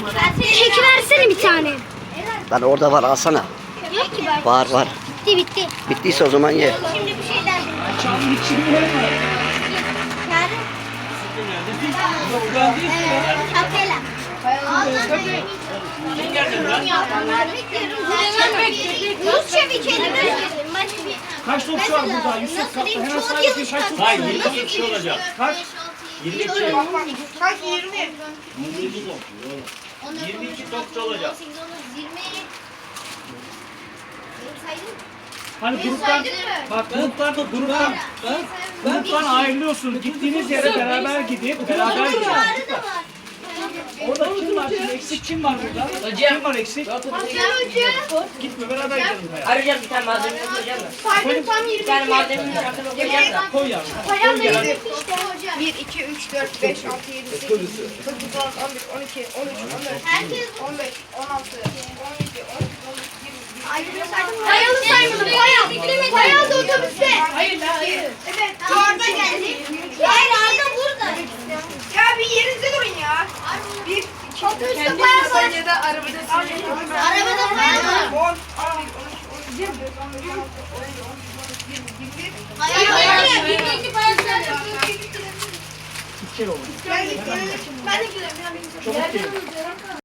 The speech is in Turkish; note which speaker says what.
Speaker 1: Çekiversene bir tane.
Speaker 2: Lan orada var, alsana.
Speaker 1: Yok ki ben.
Speaker 2: Var.
Speaker 1: Bitti.
Speaker 2: Bittiyse o zaman ye.
Speaker 1: Şimdi bir şeyler. Kapela. Rusça bir kelime.
Speaker 3: Kaç topçu var burada? Yusuf kapta. Hemen sağ yapayım. Kaç topçu var?
Speaker 4: Hayır 20 kişi olacak.
Speaker 3: Kaç?
Speaker 4: 22.
Speaker 5: Kaç 20?
Speaker 4: 22 topçu olacak.
Speaker 3: Hani gruptan, bak gruptan ayrılıyorsun. Gittiğiniz yere beraber gidip beraber gidin. Orada kim var? Eksik kim var burada? Kim var eksik? Gitme, beraber gidelim.
Speaker 6: Arayacağım bir tane malzeme koyacağım da.
Speaker 5: Saydım tam 20.
Speaker 6: Bir tane malzemenin hakkında koyacağım da.
Speaker 3: Koy yavrum.
Speaker 5: Payam da 20 işte. 1, 2, 3, 4, 5, 6, 7, 8, 9, 10, 11, 12, 13, 14, 15, 16, 17, 18, 19, 20. Payalım saymadım. Payal da otobüste. Hayır. Evet. Orada geldi. Hayır Arda burada. Ya bir yerinizde durun ya. Bir, iki, otobüste payal var. Ya da arabada Arabada payal var. 10, 11, 12, 13, 14, 15, 16, 17, 18, 19, 20. Hayır. Bir payal söyle.
Speaker 3: İki kere olur.
Speaker 5: Ben de gidelim.
Speaker 3: Çabuk gelin.